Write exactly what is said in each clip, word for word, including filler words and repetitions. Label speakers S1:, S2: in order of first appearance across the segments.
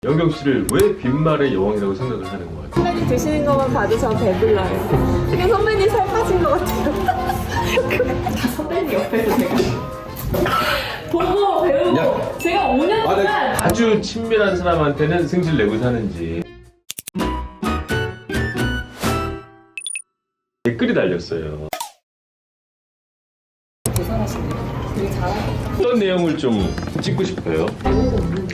S1: 영경 씨를 왜 빈말의 여왕이라고 생각을 하는 것 같아요?
S2: 선배님 드시는 것만 봐도 전 배불러요. 그냥 선배님 살 빠진 것 같아요. 다 선배님 옆에서 제가 보고 배우고
S1: 야.
S2: 제가 오 년 동안
S1: 아주 친밀한 사람한테는 승질 내고 사는지 댓글이 달렸어요.
S2: 계산하시네요. 되게 잘하고
S1: 어떤 내용을 좀 찍고 싶어요?
S2: 내용도 없는데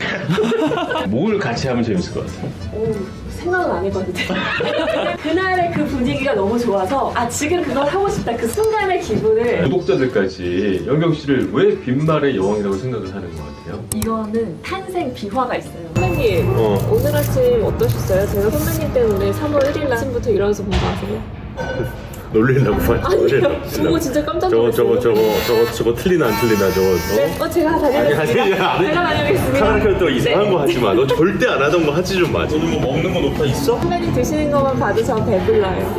S1: 뭘 같이 하면 재밌을 것 같아요?
S2: 오, 생각은 안 해봤는데 그날의 그 분위기가 너무 좋아서 아 지금 그걸 하고 싶다 그 순간의 기분을
S1: 구독자들까지 영경 씨를 왜 빈말의 여왕이라고 생각을 하는 것 같아요?
S2: 이거는 탄생 비화가 있어요. 선배님
S1: 어.
S2: 오늘 아침 어떠셨어요? 제가 선배님 때문에 삼월 일일 아침부터 일어나서 본 거 아세요?
S3: 놀리려고 말.
S2: 아니요. 보고 진짜 깜짝
S3: 저거
S2: 놀랐어요.
S3: 저거 저거 저거 저거 틀리나 안 틀리나 저거.
S2: 네? 어 제가
S3: 아니
S2: 다녀오겠습니다.
S3: 아니 아니.
S2: 제가 다녀오겠습니다.
S3: 카메라 켜또 이상한
S2: 네.
S3: 거 하지 마. 너 절대 안 하던 거 하지 좀 마. 너는 뭐 먹는 거 높아 있어?
S2: 선배님 드시는 것만 봐도 전 배불러요.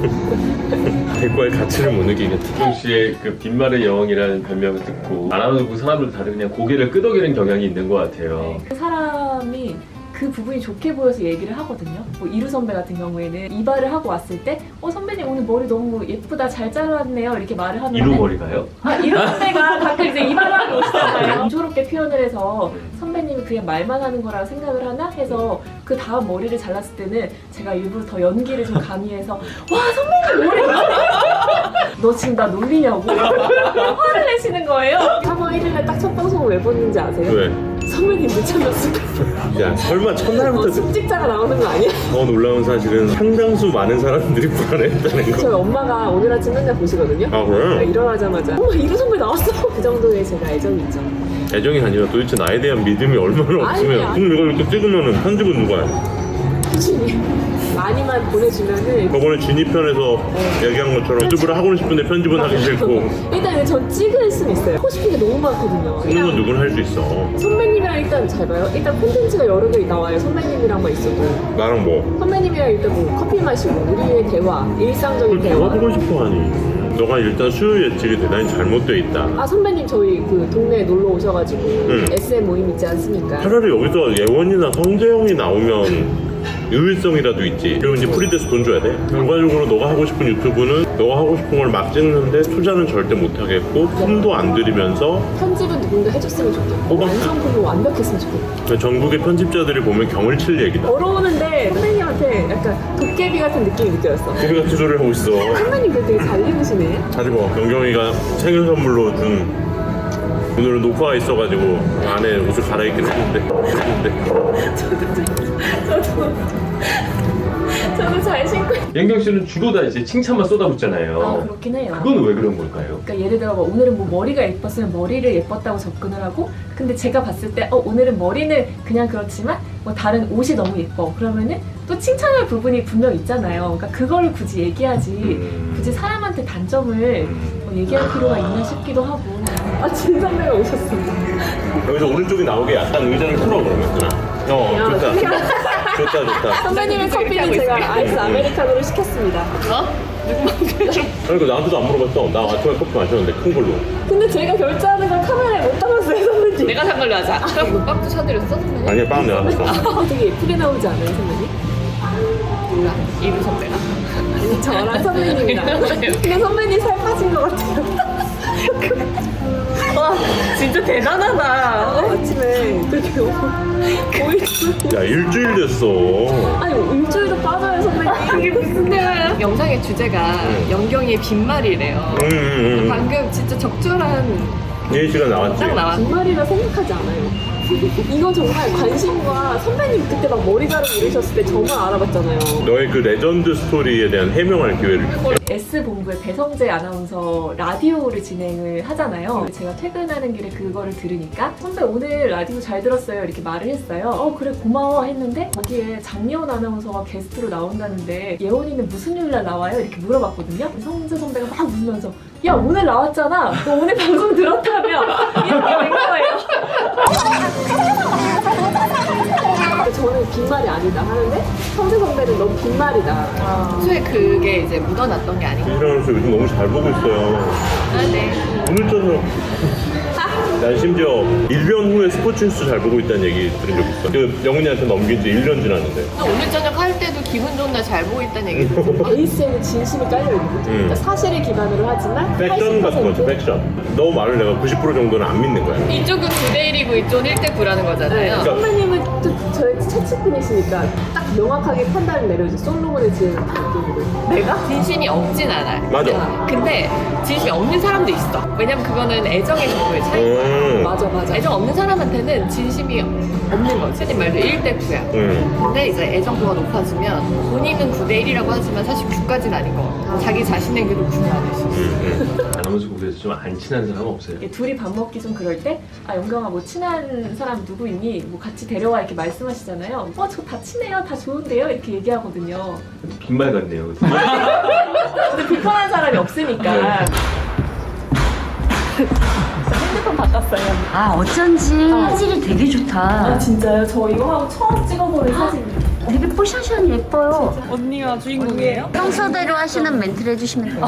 S3: 대과의 가치를 못 느끼겠다.
S1: 영경 씨의 그 빈말의 여왕이라는 별명을 듣고 알아보고 사람들 다들 그냥 고개를 끄덕이는 경향이 있는 것 같아요.
S2: 그 사람이 그 부분이 좋게 보여서 얘기를 하거든요. 뭐 이루 선배 같은 경우에는 이발을 하고 왔을 때 어 선배님 오늘 머리 너무 예쁘다 잘 잘랐네요 이렇게 말을 하는데
S1: 이루 머리가요?
S2: 아 이루 선배가 가끔 이제 이발을 하고 오시잖아요. 공조롭게 표현을 해서 선배님이 그냥 말만 하는 거라고 생각을 하나 해서 그 다음 머리를 잘랐을 때는 제가 일부러 더 연기를 좀 가미해서 와 선배님 머리 너 지금 나 놀리냐고 화를 내시는 거예요. 삼월 일일에 딱 첫 방송을 왜 봤는지 아세요?
S3: 왜?
S2: 선배님 늦잠났을까?
S3: 야 설마 첫날부터
S2: 어, 숙직자가 나오는 거 아니야?
S3: 더 놀라운 사실은 상당수 많은 사람들이 불안했다는 거.
S2: 저희 엄마가 오늘 아침 맨날 보시거든요.
S3: 아 그래?
S2: 일어나자마자 어머 이루 선배 나왔어. 그 정도의 제가 애정이 있죠.
S3: 애정이 아니라 도대체 나에 대한 믿음이 얼마나 없으면
S2: 아니,
S3: 그럼 이걸 이렇게 찍으면은 편집은 누가 해?
S2: 꾸준히 많이만 보내주면은
S3: 저번에 진입편에서 얘기한 것처럼 유튜브를 하고 싶은데 편집은 하기 싫고
S2: 일단 전 찍을 수는 있어요. 하고 싶은 게 너무 많거든요.
S3: 찍는 건 누구나 할 수 있어.
S2: 선배님이랑 일단 잘 봐요. 일단 콘텐츠가 여러 개 나와요. 선배님이랑만 있어도
S3: 나랑 뭐
S2: 선배님이랑 일단 뭐 커피 마시고 우리의 대화, 일상적인
S3: 그걸
S2: 대화.
S3: 누가 보고 싶어 하니? 너가 일단 수요 예측이 대단히 잘못돼 있다.
S2: 아 선배님 저희 그 동네에 놀러 오셔가지고
S3: 응.
S2: 에스엠 모임 있지 않습니까?
S3: 차라리 여기서 예원이나 성재형이 나오면 의외성이라도 있지. 그리고 이제 프리돼서 돈 줘야 돼. 결과적으로 너가 하고 싶은 유튜브는 너가 하고 싶은 걸 막 찍는데 투자는 절대 못 하겠고 품도 안 들이면서
S2: 편집은 누군가 해줬으면 좋겠고
S3: 어, 맞다.
S2: 완성품은 완벽했으면 좋겠고
S3: 전국의 편집자들이 보면 경을 칠 얘기다.
S2: 어려우는데 선배님한테 약간 도깨비 같은 느낌이 느껴졌어.
S3: 걔네 같은 소리를 하고 있어.
S2: 선배님 그 되게 잘 입으시네.
S3: 잘 입어. 영경이가 생일 선물로 준 오늘은 녹화가 있어가지고 안에 옷을 갈아입긴 했는데 했는데
S2: 저도 저도 잘 신고 있-
S1: 영경 씨는 주로 다 이제 칭찬만
S2: 아
S1: 쏟아붓잖아요.
S2: 그렇긴 해요.
S1: 그건 왜 그런 걸까요?
S2: 그러니까 예를 들어 뭐 오늘은 뭐 머리가 예뻤으면 머리를 예뻤다고 접근을 하고 근데 제가 봤을 때 어 오늘은 머리는 그냥 그렇지만 뭐 다른 옷이 너무 예뻐 그러면은 또 칭찬할 부분이 분명 있잖아요. 그러니까 그거를 굳이 얘기하지
S1: 음.
S2: 굳이 사람한테 단점을 뭐 얘기할 필요가 있나 싶기도 하고 아 진선배가 오셨어.
S3: 여기서 오른쪽이 나오게 약간 의자를 풀어 그러면 누나. 어
S2: 야,
S3: 좋다.
S2: 그냥
S3: 좋다 좋다.
S2: 선배님의 커피는 제가 아이스 아메리카노로 시켰습니다.
S3: 그러니까 나한테도 안 물어봤어. 나 아침에 커피 마셨는데 큰 걸로.
S2: 근데 제가 결제하는 걸 카메라에 못 담았어요 선배님.
S4: 내가 산 걸로 하자. 그럼 빵도 사드렸어, 선배님?
S3: 아니야 빵 내가 샀어.
S2: 되게 예쁘게 나오지 않아요 선배님?
S4: 몰라. 이루 선배가.
S2: 아니 저랑 선배님이랑 근데 선배님 살 빠진 것 같아요.
S4: 와, 진짜 대단하다.
S2: 아침에 그렇게 보이죠?
S3: 야 일주일 됐어.
S2: 아니 일주일도 빠져요 선배님.
S4: 이게 무슨 대화야? 영상의 주제가 영경이의 빈말이래요.
S3: 음, 음, 음.
S4: 방금 진짜 적절한
S3: 예시가 나왔지.
S4: 딱 나왔어.
S2: 빈말이라 생각하지 않아요. 이건 정말 관심과 선배님 그때 막 머리 자르고 이러셨을 때 저만 알아봤잖아요.
S3: 너의 그 레전드 스토리에 대한 해명할 기회를 줄게.
S2: S본부의 배성재 아나운서 라디오를 진행을 하잖아요. 제가 퇴근하는 길에 그거를 들으니까 선배 오늘 라디오 잘 들었어요 이렇게 말을 했어요. 어 그래 고마워 했는데 거기에 장예원 아나운서가 게스트로 나온다는데 예원이는 무슨 요일날 나와요? 이렇게 물어봤거든요. 성재 선배가 막 웃으면서 야 오늘 나왔잖아. 너 오늘 방송 들었다며 이렇게 된 거예요. 저는 빈말이 아니다 하는데 성재 선배는 너무 빈말이다.
S4: 평소에 그게 이제 묻어났던 게 아니고.
S3: 이랑 요즘 너무 잘 보고 있어요.
S4: 아, 네.
S3: 오늘처럼 난 심지어 일 년 후에 스포츠 뉴스 잘 보고 있다는 얘기 들은 적 있어. 그 영훈이한테 넘긴 지 일 년 지났는데.
S4: 오늘 저녁 할 때도 기분 좋은 날 잘 보고 있다는 얘기 듣고
S2: 에이스에는 진심이 깔려있는 거죠. 그러니까 사실을 기반으로 하지만
S3: 팩션 같은 거지, 팩션. 너 말을 내가 구십 퍼센트 정도는 안 믿는 거야.
S4: 이쪽은 구 대 일이고 이쪽은 일 대 구라는 거잖아요.
S3: 그러니까
S2: 선배님은 또 저의 채찍분이시니까 딱 명확하게 판단을 내려줘. 솔로몬을 지은 느낌으로.
S4: 내가 진심이 없진 않아요.
S3: 맞아.
S4: 근데 진심이 없는 사람도 있어. 왜냐면 그거는 애정의 정도의 차이인 거야.
S3: 음.
S2: 맞아 맞아.
S4: 애정 없는 사람한테는 진심이 없는 거지. 선생님 말도 일 대 구야.
S3: 음.
S4: 근데 이제 애정도가 높아지면 본인은 구 대 일이라고 하지만 사실 구까지는 아닌 것 같아. 자기 자신에게도 구는 아닐 수 있어.
S3: 음.
S1: 아나운서 국에서 좀 안 친한 사람 없어요?
S2: 이게 둘이 밥 먹기 좀 그럴 때, 아 영경아 뭐 친한 사람 누구 있니? 뭐 같이 데려와 이렇게 말씀하시잖아요. 어 저 다 친해요, 다 좋은데요 이렇게 얘기하거든요.
S1: 빈말 같네요.
S2: 근데 비판한 사람이 없으니까. 핸드폰 바꿨어요.
S5: 아 어쩐지 화질이 되게
S2: 아
S5: 좋다.
S2: 진짜요? 저 이거 하고 처음 찍어보는 사진이에요.
S5: 되게 뽀샤시한 예뻐요.
S4: 언니가 주인공이에요?
S5: 평소대로 하시는 멘트를 해주시면 돼요.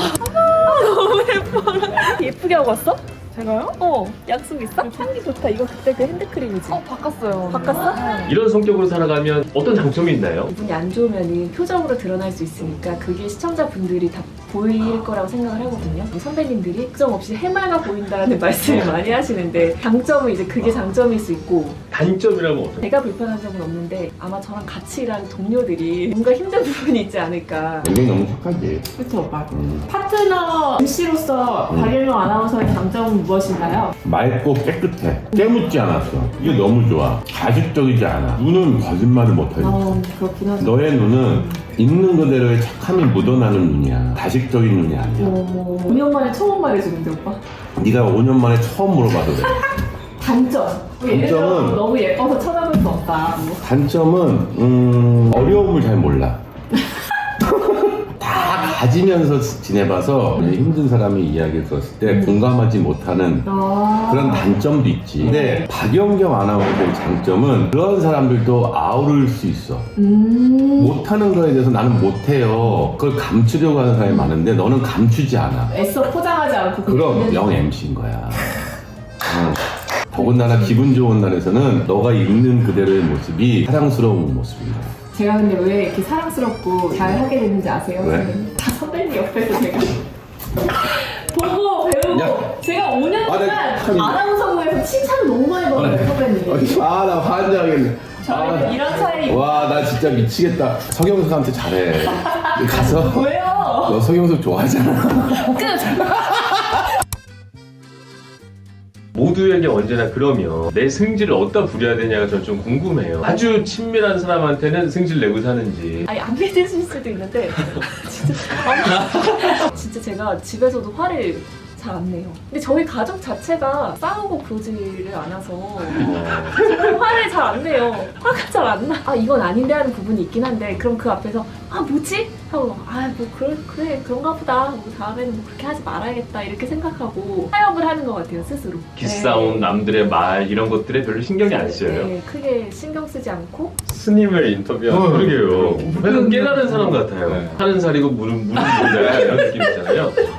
S2: 예쁘게 하고 왔어? 제가요? 어. 약속 있어? 향기 좋다. 이거 그때 그 핸드크림이지?
S4: 어 바꿨어요.
S2: 바꿨어?
S1: 이런 성격으로 살아가면 어떤 장점이 있나요?
S2: 기분이 안 좋으면 표정으로 드러날 수 있으니까 그게 시청자분들이 다 보일 거라고 생각을 하거든요. 뭐 선배님들이 걱정 없이 해맑아 보인다는 말씀을 많이 하시는데 장점은 이제 그게 장점일 수 있고
S1: 단점이라면 어떤?
S2: 제가 불편한 점은 없는데 아마 저랑 같이 일하는 동료들이 뭔가 힘든 부분이 있지 않을까.
S6: 이게 너무 착하지.
S2: 그쵸 오빠?
S6: 음.
S2: 파트너 엠씨로서 박일명 아나운서의 장점은 무엇인가요?
S6: 맑고 깨끗해. 깨묻지 않았어. 이게 너무 좋아. 가식적이지 않아. 눈은 거짓말을 못하지.
S2: 아 그렇긴 하죠.
S6: 너의 눈은 있는 그대로의 착함이 묻어나는 눈이야. 가식적인 눈이 아니야.
S2: 어, 오 년 만에 처음 말해주는데 오빠?
S6: 네가 오 년 만에 처음 물어봐도 돼.
S2: 단점. 뭐 예를 들어
S6: 단점은-
S2: 너무 예뻐서 쳐다볼 수 없다. 뭐.
S6: 단점은 음, 어려움을 잘 몰라. 다 가지면서 지내봐서 힘든 사람이 이야기했었을 때 공감하지 못하는
S2: 아.
S6: 그런 단점도 있지. 근데 박연경 아나운서의 장점은 그런 사람들도 아우를 수 있어.
S2: 음.
S6: 못하는 거에 대해서 나는 못해요. 그걸 감추려고 하는 사람이 많은데 너는 감추지 않아.
S2: 애써 포장하지 않고
S6: 그럼 영 엠씨인 거야. 응. 더군다나 기분 좋은 날에서는 너가 있는 그대로의 모습이 사랑스러운 모습인 거야.
S2: 제가 근데 왜 이렇게 사랑스럽고 잘 하게 됐는지 아세요?
S6: 왜?
S2: 다 선배님 옆에서 제가 보고 배우고
S6: 야.
S2: 제가 오 년
S6: 아,
S2: 동안
S6: 네, 참-
S2: 아나운서부에서 칭찬을 너무 많이 받았어요 선배님.
S6: 아, 나 환장하겠네.
S2: 저희는 이런 차이.
S6: 와, 나 진짜 미치겠다. 서경석한테 잘해. 가서
S2: 왜요?
S6: 너 서경석 좋아하잖아.
S1: 모두에게 언제나 그러면 내 승질을 어디다 부려야 되냐가 저는 좀 궁금해요. 아주 친밀한 사람한테는 승질 내고 사는지.
S2: 아니 안 믿으실 수도 있는데 진짜 아니, 진짜 제가 집에서도 화를 잘 안 내요. 근데 저희 가족 자체가 싸우고 그러지를 않아서 정말 화를 잘 안 내요. 화가 잘 안 나. 아 이건 아닌데 하는 부분이 있긴 한데 그럼 그 앞에서 아 뭐지? 하고 아 뭐 그래 그래 그런가 보다. 뭐 다음에는 뭐 그렇게 하지 말아야겠다 이렇게 생각하고 타협을 하는 것 같아요 스스로.
S1: 기싸움, 남들의 말 이런 것들에 별로 신경이 안 쓰여요.
S2: 네, 크게 신경 쓰지 않고
S1: 스님을 인터뷰한
S6: 어.
S1: 그러게요. 약간 깨달은 사람 같아요.
S6: 네.
S1: 하는 살이고 물은 물은 물다 이런 느낌 있잖아요.